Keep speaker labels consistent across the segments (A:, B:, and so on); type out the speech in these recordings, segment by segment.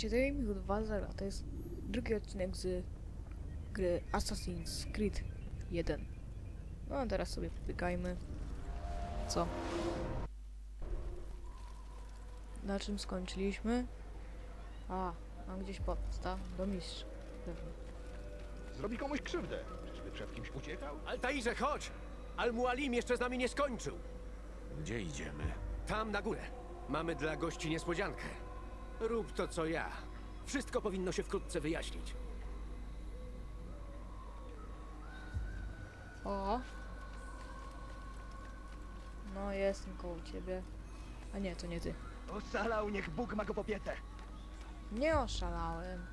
A: Witajcie, to jest Michał 2.0, to jest drugi odcinek z gry Assassin's Creed 1. No a teraz sobie pobiegajmy. Co? Na czym skończyliśmy? Mam gdzieś podstaw do mistrza. Pewnie.
B: Zrobi komuś krzywdę. Czyżby przed kimś uciekał?
C: Altairze, chodź! Al-Mualim jeszcze z nami nie skończył.
D: Gdzie idziemy?
C: Tam na górę. Mamy dla gości niespodziankę. Rób to, co ja. Wszystko powinno się wkrótce wyjaśnić.
A: O! No, jestem koło ciebie. A nie, to nie ty.
B: Ocalał, niech Bóg ma go popietę.
A: Nie oszalałem.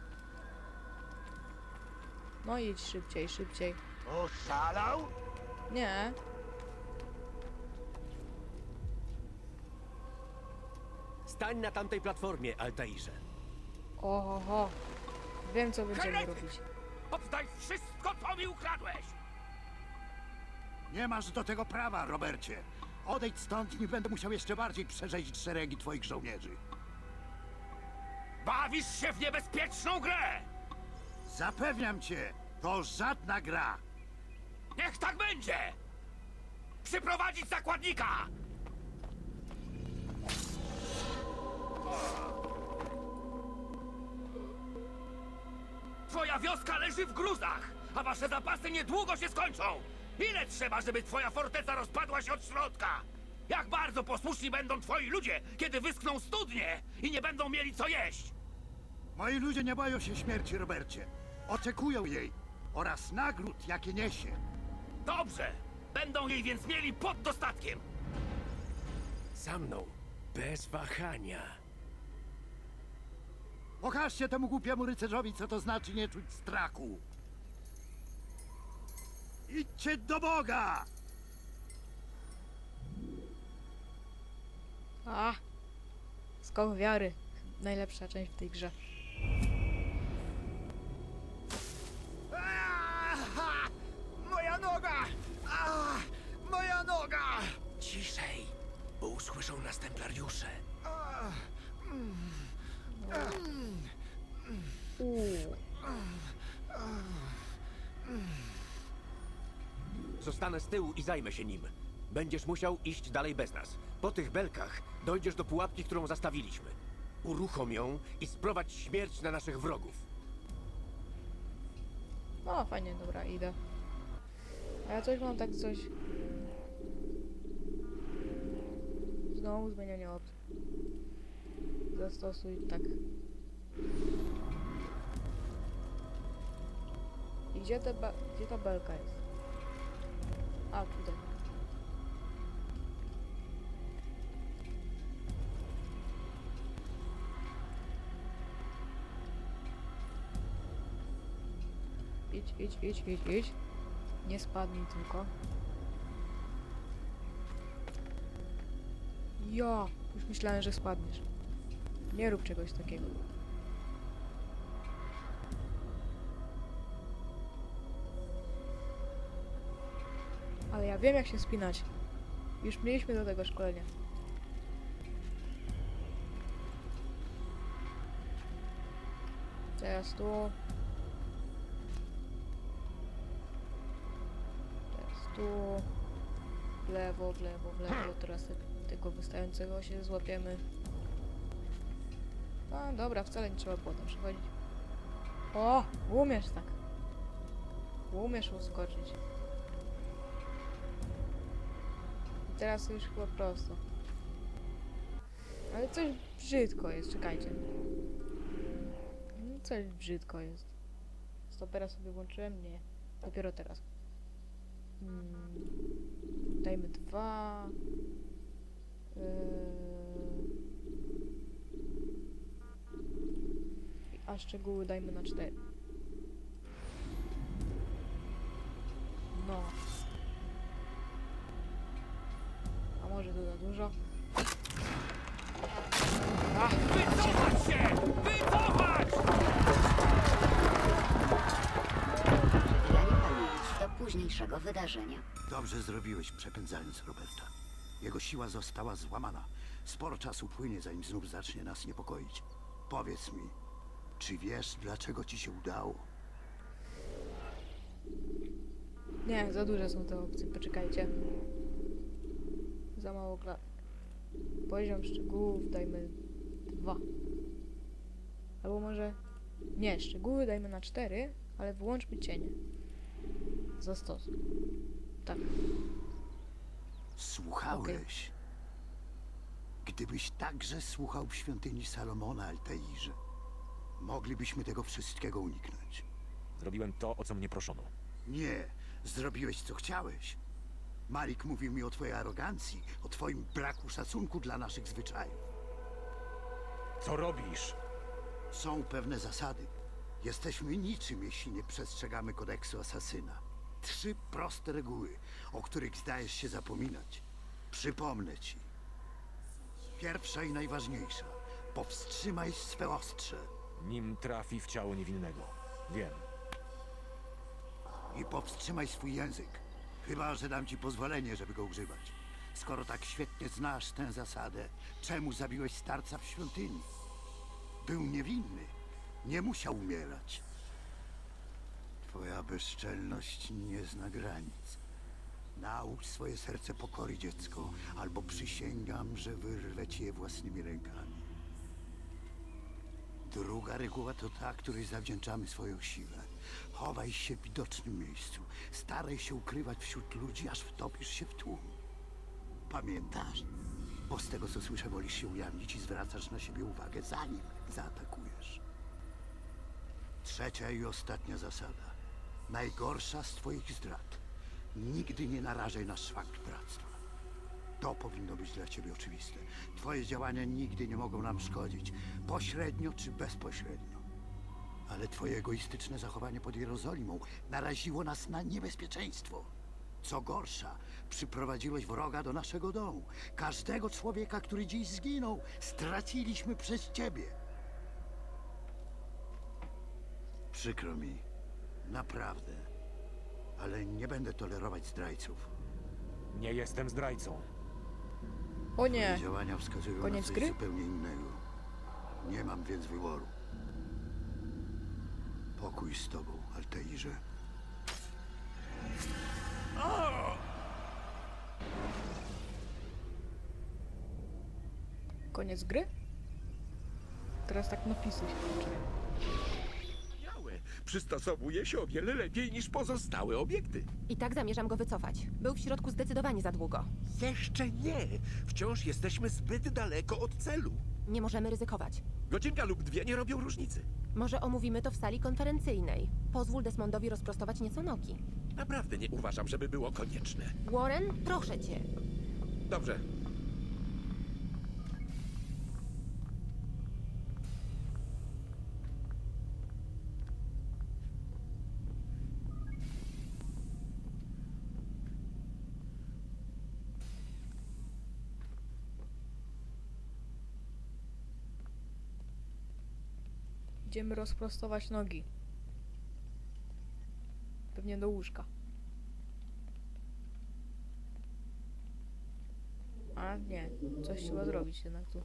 A: No idź szybciej, szybciej.
B: Oszalał?
A: Nie.
C: Stań na tamtej platformie, Altairze.
A: Oho. Wiem, co będziemy
E: Heretyk!
A: robić.
E: Oddaj wszystko, co mi ukradłeś!
D: Nie masz do tego prawa, Robercie. Odejdź stąd, nie będę musiał jeszcze bardziej przerzeźć szeregi twoich żołnierzy.
E: Bawisz się w niebezpieczną grę!
D: Zapewniam cię, to żadna gra.
E: Niech tak będzie! Przyprowadzić zakładnika! Twoja wioska leży w gruzach, a wasze zapasy niedługo się skończą! Ile trzeba, żeby twoja forteca rozpadła się od środka? Jak bardzo posłuszni będą twoi ludzie, kiedy wyschną studnie i nie będą mieli co jeść?
D: Moi ludzie nie boją się śmierci, Robercie. Oczekują jej oraz nagród, jakie niesie.
E: Dobrze! Będą jej więc mieli pod dostatkiem!
C: Za mną. Bez wahania.
D: Pokażcie temu głupiemu rycerzowi, co to znaczy nie czuć strachu. Idźcie do Boga!
A: Skok wiary. Najlepsza część w tej grze.
B: Moja noga! Moja noga!
C: Ciszej, bo usłyszą nas templariusze. Zostanę z tyłu i zajmę się nim. Będziesz musiał iść dalej bez nas. Po tych belkach dojdziesz do pułapki, którą zastawiliśmy. Uruchom ją i sprowadź śmierć na naszych wrogów.
A: No, fajnie, dobra, idę. A ja coś mam coś... Znowu zmienianie opcji. Zastosuj tak. I gdzie ta belka jest? Tutaj. Idź. Nie spadnij tylko. Ja! Już myślałem, że spadniesz. Nie rób czegoś takiego. Ale ja wiem, jak się spinać. Już mieliśmy do tego szkolenia. Teraz tu. Teraz tu. W lewo. Teraz tego wystającego się złapiemy. A dobra, wcale nie trzeba było tam przechodzić. O! Umiesz tak. Umiesz uskoczyć. I teraz już chyba prosto. Ale coś brzydko jest, czekajcie. Coś brzydko jest. Stopera sobie włączyłem? Nie. Dopiero teraz. Dajmy 2. A szczegóły dajmy na 4. No. A może to za dużo?
E: Wycofać się! Wycofać!
F: Przechylanie pamięci do późniejszego wydarzenia.
D: Dobrze zrobiłeś, przepędzając Roberta. Jego siła została złamana. Sporo czasu płynie, zanim znów zacznie nas niepokoić. Powiedz mi, Czy wiesz, dlaczego ci się udało?
A: Nie, za duże są te opcje, poczekajcie. Za mało Poziom szczegółów dajmy 2. Albo może... Nie, szczegóły dajmy na 4, ale wyłączmy cienie. Za 100. Tak.
D: Słuchałeś. Gdybyś także słuchał w świątyni Salomona, Altairze, moglibyśmy tego wszystkiego uniknąć.
G: Zrobiłem to, o co mnie proszono.
D: Nie, zrobiłeś co chciałeś. Malik mówił mi o twojej arogancji, o twoim braku szacunku dla naszych zwyczajów.
G: Co robisz?
D: Są pewne zasady. Jesteśmy niczym, jeśli nie przestrzegamy kodeksu asasyna. 3 proste reguły, o których zdajesz się zapominać. Przypomnę ci. Pierwsza i najważniejsza. Powstrzymaj swe ostrze.
G: Nim trafi w ciało niewinnego. Wiem.
D: I powstrzymaj swój język. Chyba że dam ci pozwolenie, żeby go używać. Skoro tak świetnie znasz tę zasadę, czemu zabiłeś starca w świątyni? Był niewinny. Nie musiał umierać. Twoja bezczelność nie zna granic. Naucz swoje serce pokory, dziecko, albo przysięgam, że wyrwę ci je własnymi rękami. Druga reguła to ta, której zawdzięczamy swoją siłę. Chowaj się w widocznym miejscu. Staraj się ukrywać wśród ludzi, aż wtopisz się w tłum. Pamiętasz? Bo z tego, co słyszę, wolisz się ujawnić i zwracasz na siebie uwagę, zanim zaatakujesz. Trzecia i ostatnia zasada. Najgorsza z twoich zdrad. Nigdy nie narażaj na szwank bractwa. To powinno być dla ciebie oczywiste. Twoje działania nigdy nie mogą nam szkodzić, pośrednio czy bezpośrednio. Ale twoje egoistyczne zachowanie pod Jerozolimą naraziło nas na niebezpieczeństwo. Co gorsza, przyprowadziłeś wroga do naszego domu. Każdego człowieka, który dziś zginął, straciliśmy przez ciebie. Przykro mi, naprawdę, ale nie będę tolerować zdrajców.
G: Nie jestem zdrajcą.
A: O nie!
D: Twoje działania wskazują na
A: Koniec
D: coś
A: gry?
D: zupełnie innego. Nie mam więc wyboru. Pokój z tobą, Altairze.
A: Koniec gry? Teraz tak napisy się kończyły.
C: Przystosowuje się o wiele lepiej niż pozostałe obiekty.
H: I tak zamierzam go wycofać. Był w środku zdecydowanie za długo.
C: Jeszcze nie. Wciąż jesteśmy zbyt daleko od celu.
H: Nie możemy ryzykować.
C: Godzinka lub 2 nie robią różnicy.
H: Może omówimy to w sali konferencyjnej. Pozwól Desmondowi rozprostować nieco nogi.
C: Naprawdę nie uważam, żeby było konieczne.
H: Warren, proszę cię.
C: Dobrze.
A: Idziemy rozprostować nogi. Pewnie do łóżka. A nie, coś trzeba zrobić jednak tu.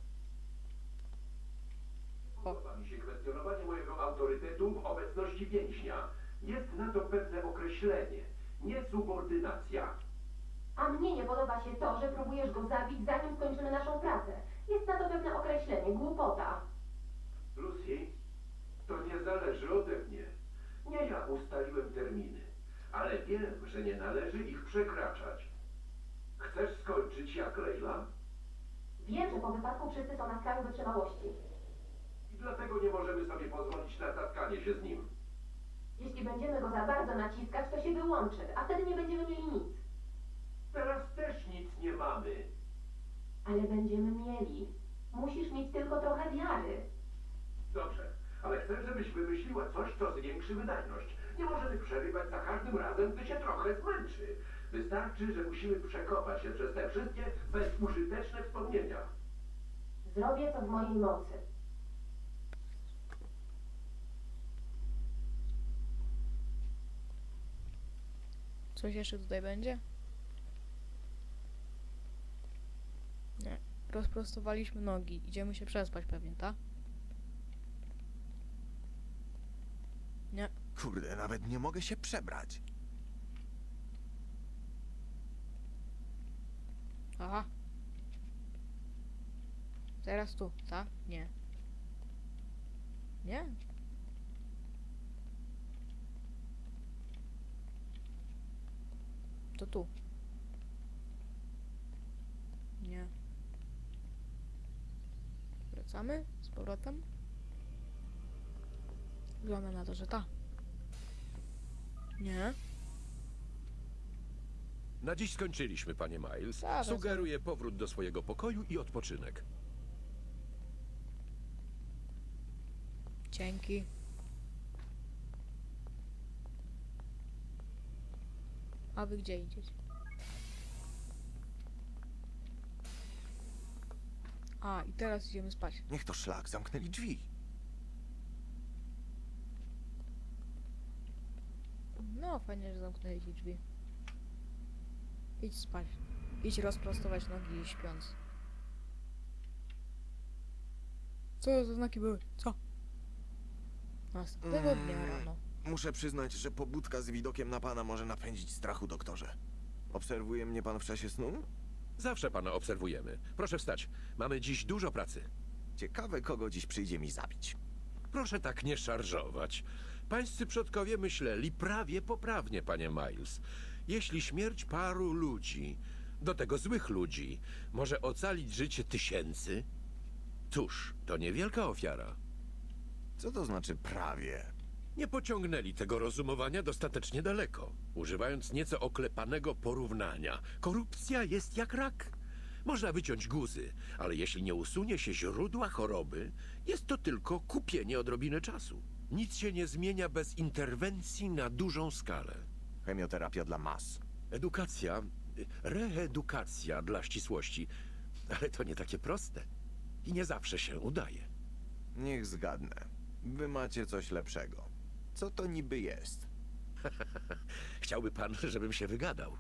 I: Podoba mi się kwestionowanie mojego autorytetu w obecności więźnia. Jest na to pewne określenie. Niesubordynacja.
J: A mnie nie podoba się to, że próbujesz go zabić, zanim skończymy naszą pracę. Jest na to pewne określenie. Głupota.
I: Lucy, to nie zależy ode mnie. Nie ja ustaliłem terminy, ale wiem, że nie należy ich przekraczać. Chcesz skończyć jak Leila?
J: Wiem, że po wypadku wszyscy są na skraju wytrzymałości.
I: I dlatego nie możemy sobie pozwolić na tatkanie się z nim.
J: Jeśli będziemy go za bardzo naciskać, to się wyłączy, a wtedy nie będziemy mieli nic.
I: Teraz też nic nie mamy.
J: Ale będziemy mieli. Musisz mieć tylko trochę wiary.
I: Dobrze, ale chcę, żebyś wymyśliła coś, co zwiększy wydajność. Nie możemy przerywać za każdym razem, gdy się trochę zmęczy. Wystarczy, że musimy przekopać się przez te wszystkie bezużyteczne wspomnienia.
J: Zrobię co w mojej mocy.
A: Coś jeszcze tutaj będzie? Nie. Rozprostowaliśmy nogi. Idziemy się przespać pewnie, tak?
B: Kurde, nawet nie mogę się przebrać.
A: Aha. Teraz tu, tak? Nie. Nie? To tu. Nie. Wracamy z powrotem. Wygląda na to, że ta. Nie.
K: Na dziś skończyliśmy, panie Miles.
A: Dobra,
K: Sugeruję powrót do swojego pokoju i odpoczynek.
A: Dzięki. A wy gdzie idziecie? A, i teraz idziemy spać.
B: Niech to szlak, zamknęli drzwi.
A: No, fajnie, że zamknęli ci drzwi. Idź spać. Idź rozprostować nogi śpiąc. Co za znaki były? Co? Następnego dnia rano.
B: Muszę przyznać, że pobudka z widokiem na pana może napędzić strachu, doktorze. Obserwuje mnie pan w czasie snu?
K: Zawsze pana obserwujemy. Proszę wstać. Mamy dziś dużo pracy.
B: Ciekawe, kogo dziś przyjdzie mi zabić.
K: Proszę tak nie szarżować. Pańscy przodkowie myśleli prawie poprawnie, panie Miles. Jeśli śmierć paru ludzi, do tego złych ludzi, może ocalić życie tysięcy, cóż, to niewielka ofiara.
B: Co to znaczy prawie?
K: Nie pociągnęli tego rozumowania dostatecznie daleko, używając nieco oklepanego porównania. Korupcja jest jak rak. Można wyciąć guzy, ale jeśli nie usunie się źródła choroby, jest to tylko kupienie odrobiny czasu. Nic się nie zmienia bez interwencji na dużą skalę.
B: Chemioterapia dla mas.
K: Edukacja, reedukacja dla ścisłości, ale to nie takie proste i nie zawsze się udaje.
B: Niech zgadnę. Wy macie coś lepszego. Co to niby jest?
K: Chciałby pan, żebym się wygadał?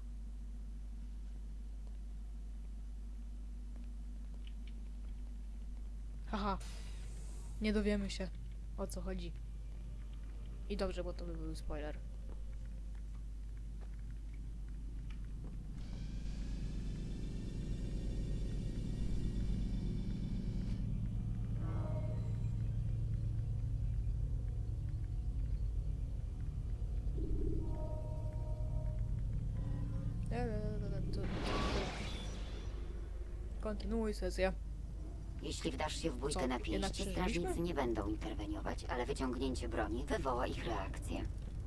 A: Haha. Nie dowiemy się, o co chodzi. I dobrze, bo to by był spoiler. Kontynuuj sesję.
F: Jeśli wdasz się w bójkę
A: Co,
F: na
A: jednak
F: pięści,
A: przeżyliśmy?
F: strażnicy nie będą interweniować, ale wyciągnięcie broni wywoła ich reakcję.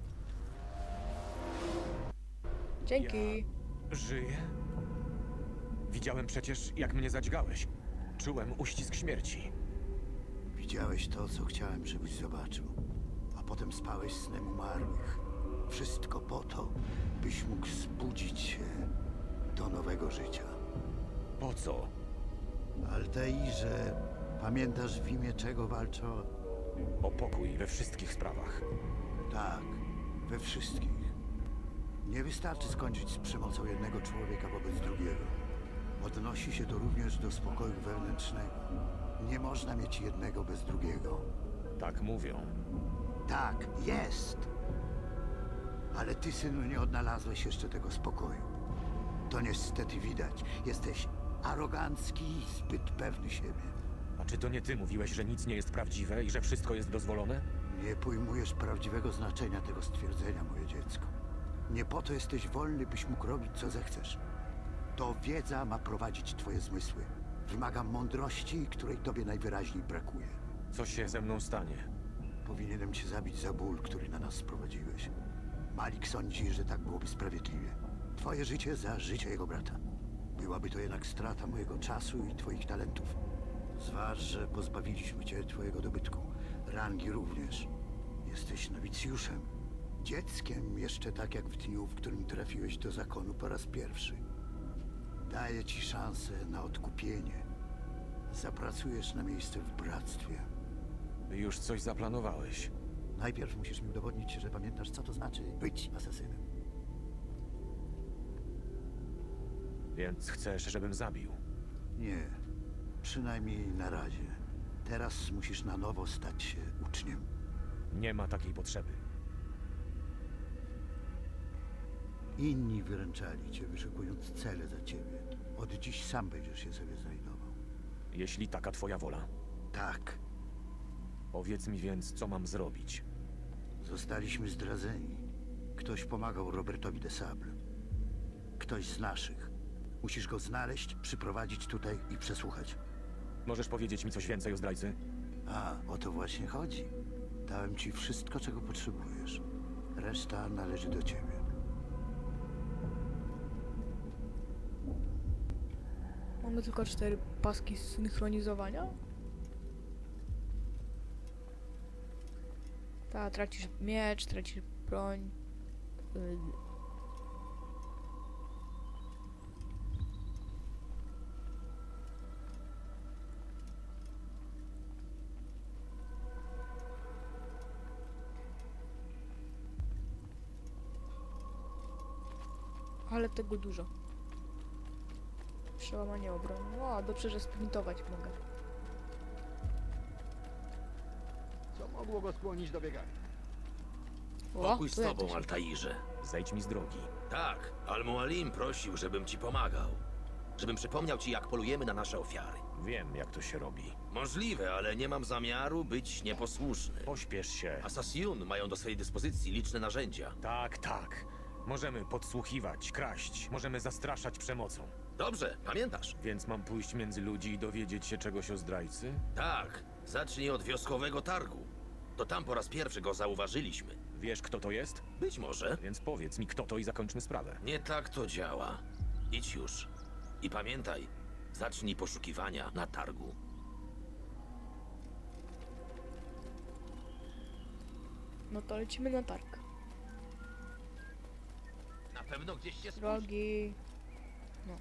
A: Dzięki.
G: Żyję? Widziałem przecież, jak mnie zadźgałeś. Czułem uścisk śmierci.
D: Widziałeś to, co chciałem, żebyś zobaczył. A potem spałeś snem umarłych. Wszystko po to, byś mógł zbudzić się do nowego życia.
G: Po co?
D: Altairze, pamiętasz w imię czego walczą?
G: O pokój we wszystkich sprawach.
D: Tak, we wszystkich. Nie wystarczy skończyć z przemocą jednego człowieka wobec drugiego. Odnosi się to również do spokoju wewnętrznego. Nie można mieć jednego bez drugiego.
G: Tak mówią.
D: Tak, jest. Ale ty, synu, nie odnalazłeś jeszcze tego spokoju. To niestety widać. Jesteś arogancki i zbyt pewny siebie.
G: A czy to nie ty mówiłeś, że nic nie jest prawdziwe i że wszystko jest dozwolone?
D: Nie pojmujesz prawdziwego znaczenia tego stwierdzenia, moje dziecko. Nie po to jesteś wolny, byś mógł robić, co zechcesz. To wiedza ma prowadzić twoje zmysły. Wymaga mądrości, której tobie najwyraźniej brakuje.
G: Co się ze mną stanie?
D: Powinienem cię zabić za ból, który na nas sprowadziłeś. Malik sądzi, że tak byłoby sprawiedliwie. Twoje życie za życie jego brata. Byłaby to jednak strata mojego czasu i twoich talentów. Zważ, że pozbawiliśmy cię twojego dobytku. Rangi również. Jesteś nowicjuszem. Dzieckiem jeszcze tak jak w dniu, w którym trafiłeś do zakonu po raz pierwszy. Daję ci szansę na odkupienie. Zapracujesz na miejsce w bractwie.
G: Już coś zaplanowałeś.
D: Najpierw musisz mi udowodnić, że pamiętasz, co to znaczy być asasynem.
G: Więc chcesz, żebym zabił?
D: Nie. Przynajmniej na razie. Teraz musisz na nowo stać się uczniem.
G: Nie ma takiej potrzeby.
D: Inni wyręczali cię, wyszukując cele za ciebie. Od dziś sam będziesz się sobie znajdował.
G: Jeśli taka twoja wola.
D: Tak,
G: Powiedz mi więc, co mam zrobić.
D: zostaliśmy zdradzeni. Ktoś pomagał Robertowi de Sable. Ktoś z naszych. Musisz go znaleźć, przyprowadzić tutaj i przesłuchać.
G: Możesz powiedzieć mi coś więcej o zdrajcy?
D: A, o to właśnie chodzi. Dałem ci wszystko, czego potrzebujesz. Reszta należy do ciebie.
A: Mamy tylko 4 paski synchronizowania. Ta, tracisz miecz, tracisz broń. Ale tego dużo. Przełamanie obrony. O, dobrze, że sprintować mogę.
D: Co mogło go skłonić do biegania?
A: O,
E: Pokój z
A: tu
E: tobą,
A: jakoś-
E: Altairze.
G: Zejdź mi z drogi.
E: Tak, Al-Mualim prosił, żebym ci pomagał. Żebym przypomniał ci, jak polujemy na nasze ofiary.
G: Wiem, jak to się robi.
E: Możliwe, ale nie mam zamiaru być nieposłuszny.
G: Pośpiesz się.
E: Asasjun mają do swojej dyspozycji liczne narzędzia.
G: Tak, tak. Możemy podsłuchiwać, kraść, możemy zastraszać przemocą.
E: Dobrze, pamiętasz?
G: Więc mam pójść między ludzi i dowiedzieć się czegoś o zdrajcy?
E: Tak, zacznij od wioskowego targu. To tam po raz pierwszy go zauważyliśmy.
G: Wiesz, kto to jest?
E: Być może.
G: Więc powiedz mi, kto to i zakończmy sprawę.
E: Nie tak to działa. Idź już. I pamiętaj, zacznij poszukiwania na targu.
A: No to lecimy na targ.
E: Na pewno gdzieś się
A: Drogi. No.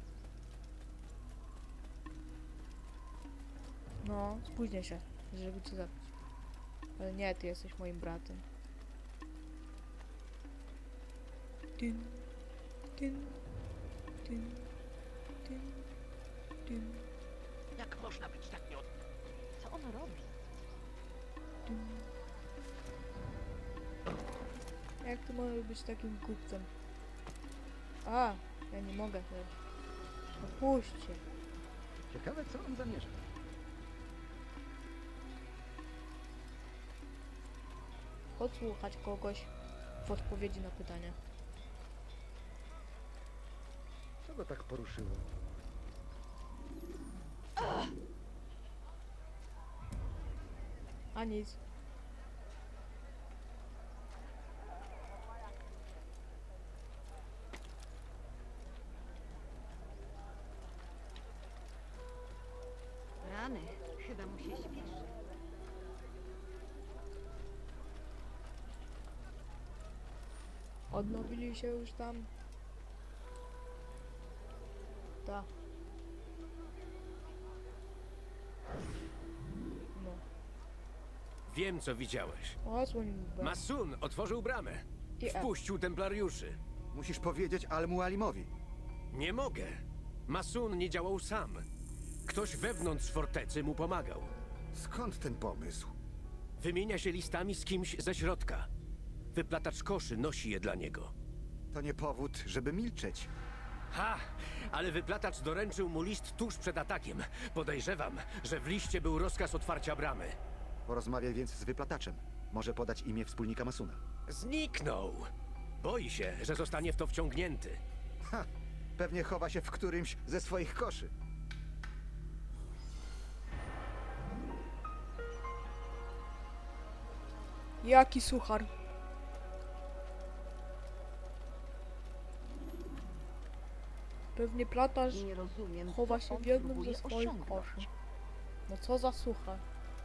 A: No, spóźnię się, żeby cię zabić. Ale nie, ty jesteś moim bratem. Tyn, tyn, tyn, tyn, tyn,
C: Jak można być tak nie... Co on robi?
A: tyn. Jak ty możesz być takim głupcem? A, ja nie mogę też. Opuśćcie.
D: Ciekawe, co on zamierza.
A: Podsłuchać kogoś w odpowiedzi na pytania.
D: Co go tak poruszyło?
A: A nic.
F: Rany, chyba mu się śpieszy.
A: Odnowili się już tam. Tak. No.
C: Wiem, co widziałeś.
A: Odsłoń B.
C: Masun otworzył bramę.
A: I F.
C: Wpuścił templariuszy.
B: Musisz powiedzieć Al-Mualimowi.
C: Nie mogę. Masun nie działał sam. Ktoś wewnątrz fortecy mu pomagał.
B: Skąd ten pomysł?
C: Wymienia się listami z kimś ze środka. Wyplatacz koszy nosi je dla niego.
B: To nie powód, żeby milczeć.
C: Ha! Ale wyplatacz doręczył mu list tuż przed atakiem. Podejrzewam, że w liście był rozkaz otwarcia bramy.
B: Porozmawiaj więc z wyplataczem. Może podać imię wspólnika Masuna.
C: Zniknął. Boi się, że zostanie w to wciągnięty.
B: Ha! Pewnie chowa się w którymś ze swoich koszy.
A: Jaki suchar? Pewnie platarz
F: Nie rozumiem,
A: chowa
F: co
A: się
F: on
A: w jednym
F: próbuje
A: ze swoich
F: osiągnąć.
A: koszy. No co za suchar?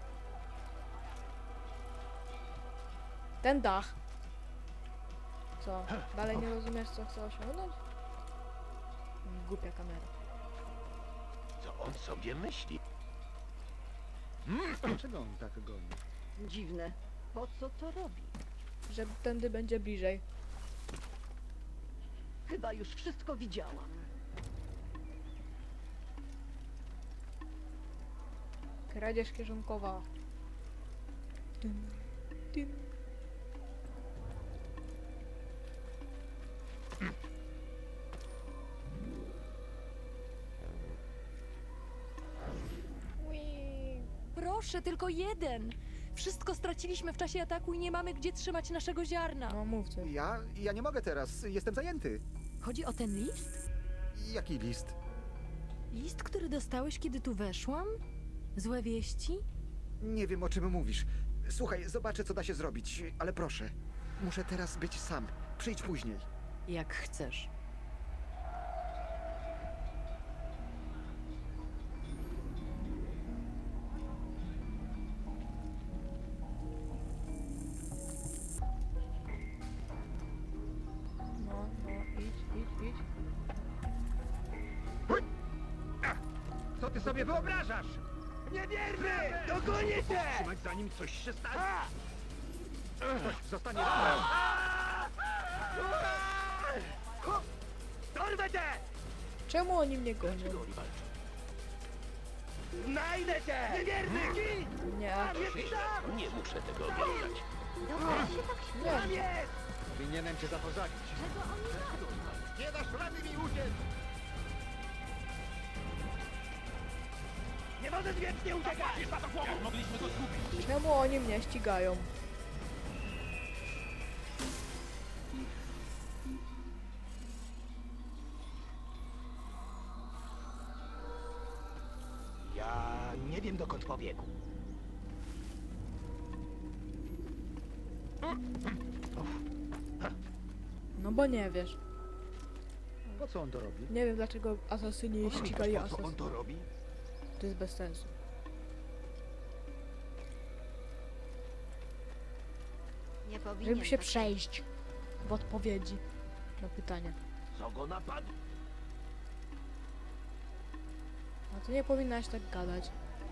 A: Ten dach. Co? Dalej nie rozumiesz, co chce osiągnąć? Głupia kamera.
C: Co on sobie myśli?
D: Dlaczego on tak goni?
F: Dziwne. Po co to robi?
A: Że tędy będzie bliżej.
F: Chyba już wszystko widziałam.
A: Kradzież kieszonkowa. Dym, dym.
L: proszę, tylko jeden. Wszystko straciliśmy w czasie ataku i nie mamy gdzie trzymać naszego ziarna.
A: No mów coś.
M: Ja nie mogę teraz, jestem zajęty.
L: Chodzi o ten list?
M: Jaki list?
L: List, który dostałeś, kiedy tu weszłam? Złe wieści?
M: Nie wiem, o czym mówisz. Słuchaj, zobaczę, co da się zrobić, ale proszę. Muszę teraz być sam. Przyjdź później.
L: Jak chcesz.
A: No, idź.
E: Co ty sobie wyobrażasz? Niewierny! Dogonię cię! Trzymać zanim coś się stanie. Ktoś zostanie ranny. Dorwę cię!
A: Czemu oni mnie gonią?
E: Znajdę cię! Niewierny!
A: Nie.
K: Nie muszę tego oglądać.
F: Dobra, się tak śmieję.
A: Nie.
E: Powinienem cię zapozadzić. Nie dasz rady mi uciec! Nie możesz wiecznie uciekać! Jak mogliśmy go zgubić?
A: Czemu oni mnie ścigają?
E: Ja nie wiem, dokąd pobiegł.
A: No bo nie wiesz.
M: Po co on to robi?
A: Nie wiem dlaczego asasyni ścigali
E: Po co on
A: asasynów.
E: to robi?
A: To jest bez sensu.
F: Nie powinien
A: Żeby się
F: tak-
A: przejść w odpowiedzi na pytania.
E: Co go napadł?
A: A to nie powinnaś tak gadać.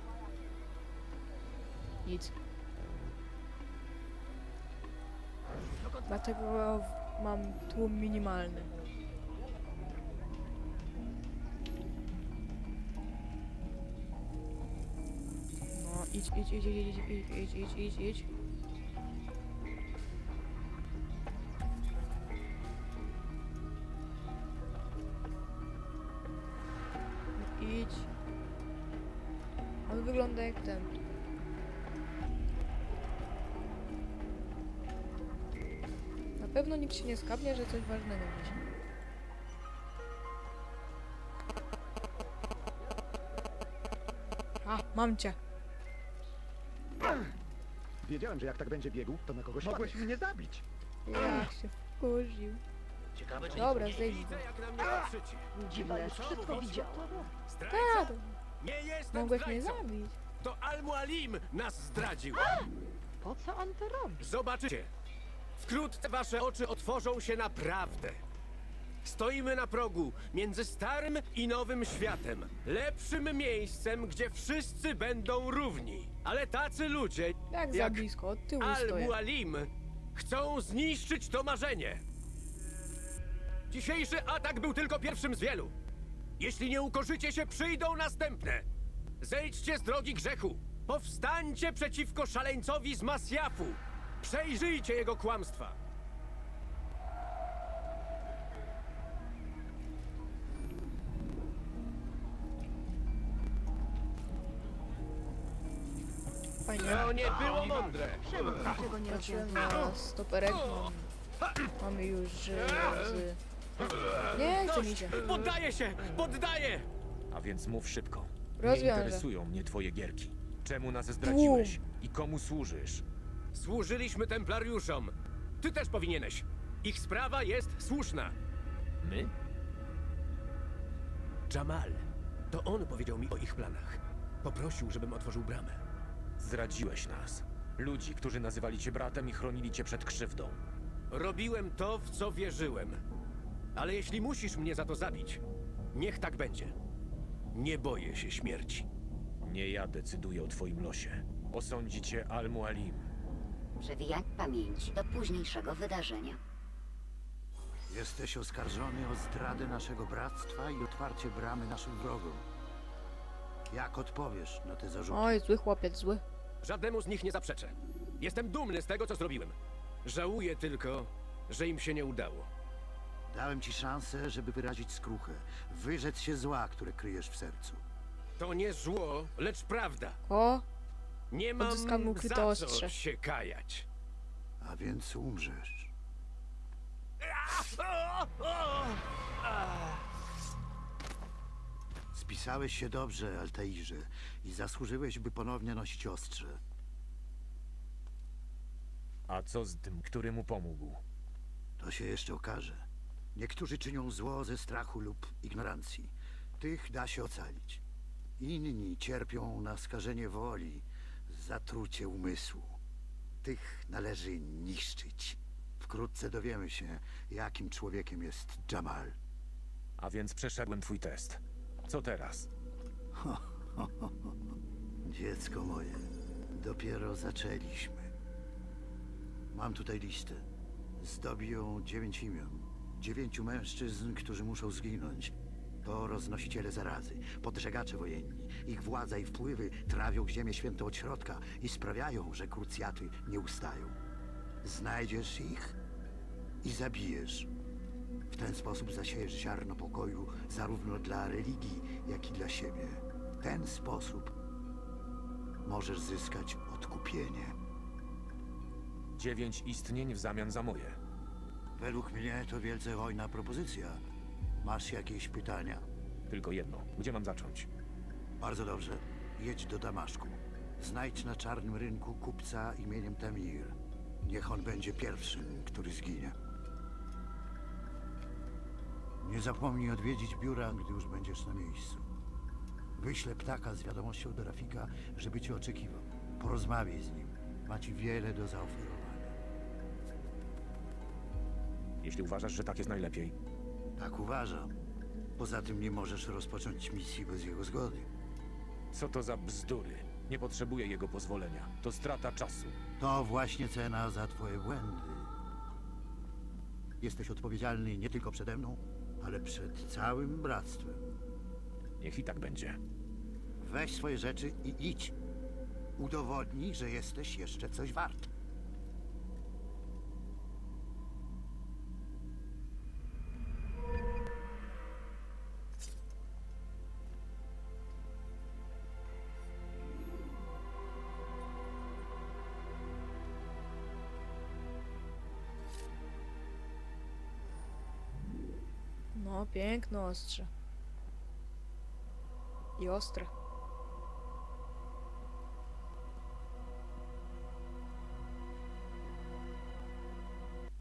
A: Nic. Dlatego mam tłum minimalny. No, idź. Idź. On wygląda jak ten. Na pewno nikt się nie skapnie, że coś ważnego gdzieś. A, mam cię.
M: Wiedziałem, że jak tak będzie biegł, to na kogoś mogłeś mnie zabić.
A: Jak się wkurzył.
E: Ciekawe, czy
A: Dobra, zejdź.
C: Widzę, jak na mnie patrzycie.
F: Dziwne, wszystko widziała.
C: Zdrajca!
A: Tak,
C: Nie jestem
A: mogłeś mnie
C: zdrajcą.
A: zabić.
C: To Al-Mualim nas zdradził.
L: Po co on to robi?
C: Zobaczycie. Wkrótce wasze oczy otworzą się naprawdę. Stoimy na progu między starym i nowym światem. Lepszym miejscem, gdzie wszyscy będą równi. Ale tacy ludzie
A: Jak za blisko, od tyłu stoję.
C: Al-Mualim chcą zniszczyć to marzenie. Dzisiejszy atak był tylko pierwszym z wielu. Jeśli nie ukorzycie się, przyjdą następne. Zejdźcie z drogi grzechu. Powstańcie przeciwko szaleńcowi z Masjafu. Przejrzyjcie jego kłamstwa.
A: Fajnie.
C: To nie było mądre.
F: Czemu niczego nie
A: Patrzyłem
F: rozwiązał?
A: na stoperek. Mamy już z... Nie chce mi się.
C: Poddaję się! Poddaję!
G: A więc mów szybko. Nie
A: Rozwiążę.
G: interesują mnie twoje gierki. Czemu nas zdradziłeś? I komu służysz?
C: Służyliśmy templariuszom. Ty też powinieneś. Ich sprawa jest słuszna.
G: My?
C: Jamal. To on powiedział mi o ich planach. Poprosił, żebym otworzył bramę.
G: Zdradziłeś nas. Ludzi, którzy nazywali cię bratem i chronili cię przed krzywdą.
C: Robiłem to, w co wierzyłem. Ale jeśli musisz mnie za to zabić, niech tak będzie. Nie boję się śmierci.
G: Nie ja decyduję o twoim losie. Osądzi cię Al-Mualim.
F: Przewijanie pamięci do późniejszego wydarzenia.
D: Jesteś oskarżony o zdradę naszego bractwa i otwarcie bramy naszym wrogom. Jak odpowiesz na te zarzuty?
A: Oj, zły chłopiec, zły.
C: Żadnemu z nich nie zaprzeczę. Jestem dumny z tego, co zrobiłem. Żałuję tylko, że im się nie udało.
D: Dałem ci szansę, żeby wyrazić skruchę, wyrzec się zła, które kryjesz w sercu.
C: To nie zło, lecz prawda.
A: O,
C: Nie mam
A: Odzyskamy ukryte
C: za
A: ostrze.
C: co się kajać.
D: A więc umrzesz. Spisałeś się dobrze, Altairze, i zasłużyłeś, by ponownie nosić ostrze.
G: A co z tym, który mu pomógł?
D: To się jeszcze okaże. Niektórzy czynią zło ze strachu lub ignorancji. Tych da się ocalić. Inni cierpią na skażenie woli, zatrucie umysłu. Tych należy niszczyć. Wkrótce dowiemy się, jakim człowiekiem jest Jamal.
G: A więc przeszedłem twój test. Co teraz?
D: Dziecko moje, dopiero zaczęliśmy. Mam tutaj listę. Zdobi ją 9 imion. 9 mężczyzn, którzy muszą zginąć. To roznosiciele zarazy, podżegacze wojenni. Ich władza i wpływy trawią ziemię świętą od środka i sprawiają, że krucjaty nie ustają. Znajdziesz ich i zabijesz. W ten sposób zasiejesz ziarno pokoju zarówno dla religii, jak i dla siebie. W ten sposób możesz zyskać odkupienie.
G: 9 istnień w zamian za moje.
D: Według mnie to wielce hojna propozycja. Masz jakieś pytania?
G: Tylko jedno. Gdzie mam zacząć?
D: Bardzo dobrze. Jedź do Damaszku. Znajdź na czarnym rynku kupca imieniem Tamir. Niech on będzie pierwszym, który zginie. Nie zapomnij odwiedzić biura, gdy już będziesz na miejscu. Wyślę ptaka z wiadomością do Rafika, żeby cię oczekiwał. Porozmawiaj z nim. Ma ci wiele do zaoferowania.
G: Jeśli uważasz, że tak jest najlepiej.
D: Tak uważam. Poza tym nie możesz rozpocząć misji bez jego zgody.
G: Co to za bzdury? Nie potrzebuję jego pozwolenia. To strata czasu.
D: To właśnie cena za twoje błędy. Jesteś odpowiedzialny nie tylko przede mną, ale przed całym bractwem.
G: Niech i tak będzie.
D: Weź swoje rzeczy i idź. Udowodnij, że jesteś jeszcze coś wart.
A: No, piękne ostrze. I ostre.